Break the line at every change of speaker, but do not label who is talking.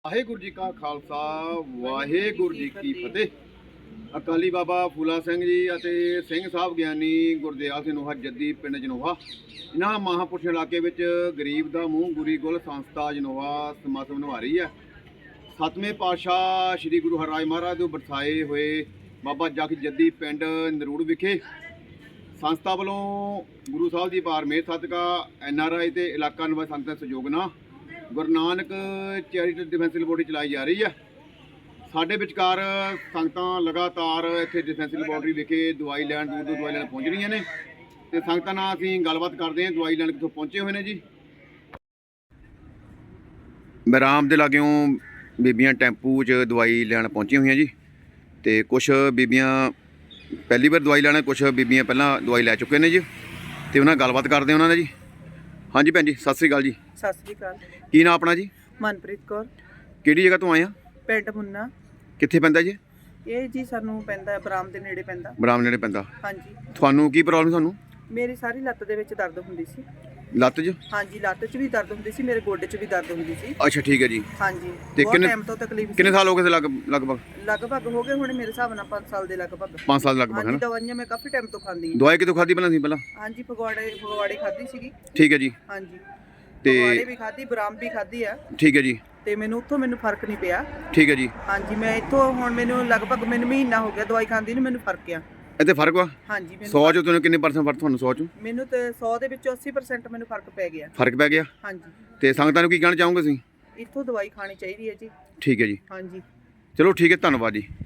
ਵਾਹਿਗੁਰੂ ਜੀ ਕਾ ਖਾਲਸਾ ਵਾਹਿਗੁਰੂ ਜੀ ਕੀ ਫਤਿਹ। ਅਕਾਲੀ ਬਾਬਾ ਫੂਲਾ ਸਿੰਘ ਜੀ ਅਤੇ ਸਿੰਘ ਸਾਹਿਬ ਗਿਆਨੀ ਗੁਰਦਿਆਲ ਸਿੰਘ ਨੋਹਾ ਜੱਦੀ ਪਿੰਡ ਜਨੋਹਾ, ਇਹਨਾਂ ਮਹਾਂਪੁਰਸ਼ ਇਲਾਕੇ ਵਿੱਚ ਗਰੀਬ ਦਾ ਮੂੰਹ ਗੁਰੀ ਗੁਲ ਸੰਸਥਾ ਜਨੋਹਾ ਸਮਾਗਮ ਨਿਭਾ ਰਹੀ ਹੈ। 7ਵੇਂ ਪਾਤਸ਼ਾਹ ਸ੍ਰੀ ਗੁਰੂ ਹਰਿਰਾਏ ਮਹਾਰਾਜ ਦੇ ਬਰਸਾਏ ਹੋਏ ਬਾਬਾ ਜਗ ਜੱਦੀ ਪਿੰਡ ਨਰੂੜ ਵਿਖੇ ਸੰਸਥਾ ਵੱਲੋਂ ਗੁਰੂ ਸਾਹਿਬ ਦੀ ਪਾਰ ਮੇਹਰ ਸਦਕਾ NRI ਤੇ ਇਲਾਕਾ ਨਿਵਾਸੀ ਸੰਗਤਾਂ ਦੇ ਸਹਿਯੋਗ ਨਾਲ Guru Nanak charitable defence laboratory ਚਲਾਈ ਜਾ ਰਹੀ ਹੈ। ਸਾਡੇ ਵਿਚਕਾਰ ਸੰਗਤਾਂ ਲਗਾਤਾਰ ਇੱਥੇ ਡਿਫੈਂਸ ਲੈਬੋਰਟਰੀ ਵਿਖੇ ਦਵਾਈ ਲੈਣ ਦੂਰ ਦਵਾਈ ਲੈਣ ਪਹੁੰਚ ਰਹੀਆਂ ਨੇ ਤੇ ਸੰਗਤਾਂ ਨਾਲ ਅਸੀਂ ਗੱਲਬਾਤ ਕਰਦੇ ਹਾਂ। ਦਵਾਈ ਲੈਣ ਕਿੱਥੋਂ ਪਹੁੰਚੇ ਹੋਏ ਨੇ ਜੀ। ਬਰਾਮ ਦੇ ਲਾਗਿਓਂ ਬੀਬੀਆਂ ਟੈਂਪੂ 'ਚ ਦਵਾਈ ਲੈਣ ਪਹੁੰਚੀਆਂ ਹੋਈਆਂ ਜੀ ਤੇ ਕੁਝ ਬੀਬੀਆਂ ਪਹਿਲੀ ਵਾਰ ਦਵਾਈ ਲੈਣਾ, ਕੁਝ ਬੀਬੀਆਂ ਪਹਿਲਾਂ ਦਵਾਈ ਲੈ ਚੁੱਕੇ ਨੇ ਜੀ ਤੇ ਉਹਨਾਂ ਨਾਲ ਗੱਲਬਾਤ ਕਰਦੇ ਉਹਨਾਂ ਨਾਲ ਜੀ। ਹਾਂਜੀ ਭੈਣ ਜੀ, ਸਤਿ ਸ੍ਰੀ ਅਕਾਲ ਜੀ।
ਸਤਿ ਸ੍ਰੀ ਅਕਾਲ।
ਕੀ ਨਾਮ ਆਪਣਾ ਜੀ?
ਮਨਪ੍ਰੀਤ ਕੌਰ।
ਕਿਹੜੀ ਜਗ੍ਹਾ ਤੋਂ ਆਏ ਆ?
ਪਿੰਡ ਮੁੰਨਾ।
ਕਿੱਥੇ ਪੈਂਦਾ ਜੀ?
ਇਹ ਜੀ ਸਾਨੂੰ ਪੈਂਦਾ ਬਰਾਮ ਦੇ ਨੇੜੇ ਪੈਂਦਾ।
ਬਰਾਮ ਨੇੜੇ ਪੈਂਦਾ।
ਹਾਂਜੀ।
ਤੁਹਾਨੂੰ ਕੀ ਪ੍ਰੋਬਲਮ? ਤੁਹਾਨੂੰ
ਮੇਰੀ ਸਾਰੀ ਲੱਤ ਦੇ ਵਿੱਚ ਦਰਦ ਹੁੰਦੀ ਸੀ।
ਲੱਤ 'ਚ?
ਹਾਂਜੀ, ਲੱਤ 'ਚ ਵੀ ਦਰਦ ਹੁੰਦੀ ਸੀ, ਮੇਰੇ ਗੋਡੇ 'ਚ ਵੀ ਦਰਦ ਹੁੰਦੀ ਸੀ।
ਅੱਛਾ ਠੀਕ ਹੈ ਜੀ।
ਹਾਂਜੀ।
ਤੇ
ਬਹੁਤ ਟਾਈਮ ਤੋਂ ਤਕਲੀਫ ਸੀ।
ਕਿੰਨੇ ਸਾਲ ਹੋ ਗਏ ਲਗਭਗ?
ਲਗਭਗ ਹੋ ਗਏ ਹੁਣ ਮੇਰੇ ਹਿਸਾਬ ਨਾਲ 5 ਸਾਲ ਦੇ ਲਗਭਗ।
5 ਸਾਲ ਲਗਭਗ ਹੈ
ਹਾਂਜੀ,
ਨਾ।
ਦਵਾਈਆਂ ਮੈਂ ਕਾਫੀ ਟਾਈਮ ਤੋਂ ਖਾਂਦੀ ਹਾਂ।
ਦਵਾਈ ਕਿਤੋਂ ਖਾਧੀ ਪਹਿਲਾਂ?
ਹਾਂਜੀ, ਫਗਵਾੜੇ ਖਾਧੀ ਸੀਗੀ।
ਠੀਕ ਹੈ ਜੀ।
ਹਾਂਜੀ,
ਤੇ
ਫਗਵਾੜੇ ਵੀ ਖਾਧੀ, ਬਰਾਮ ਵੀ ਖਾਧੀ ਆ।
ਠੀਕ ਹੈ ਜੀ।
ਤੇ ਮੈਨੂੰ ਫਰਕ ਨਹੀਂ ਪਿਆ।
ਠੀਕ ਹੈ ਜੀ।
ਹਾਂਜੀ, ਮੈਂ ਇੱਥੋਂ ਹੁਣ ਲਗਭਗ ਮਹੀਨਾ ਹੋ ਗਿਆ ਦਵਾਈ ਖਾਂਦੀ ਨੂੰ, ਮੈਨੂੰ ਫਰਕ ਆ।
ਇੱਥੇ ਫਰਕ ਵਾ?
ਹਾਂਜੀ।
100 ਚੋਂ ਤੁਹਾਨੂੰ ਕਿੰਨੇ ਪਰਸੈਂਟ ਫਰਕ? ਤੁਹਾਨੂੰ 100 ਚੋਂ?
ਮੈਨੂੰ ਤੇ 100 ਦੇ ਵਿੱਚੋਂ 80% ਮੈਨੂੰ ਫਰਕ ਪੈ ਗਿਆ।
ਫਰਕ ਪੈ ਗਿਆ?
ਹਾਂਜੀ।
ਤੇ ਸੰਗਤਾਂ ਨੂੰ ਕੀ ਕਹਿਣਾ ਚਾਹੋਗੇ ਤੁਸੀਂ?
ਇੱਥੋਂ ਦਵਾਈ ਖਾਣੀ ਚਾਹੀਦੀ ਹੈ ਜੀ।
ਠੀਕ ਹੈ ਜੀ।
ਹਾਂਜੀ।
ਚਲੋ ਠੀਕ ਹੈ, ਧੰਨਵਾਦ ਜੀ।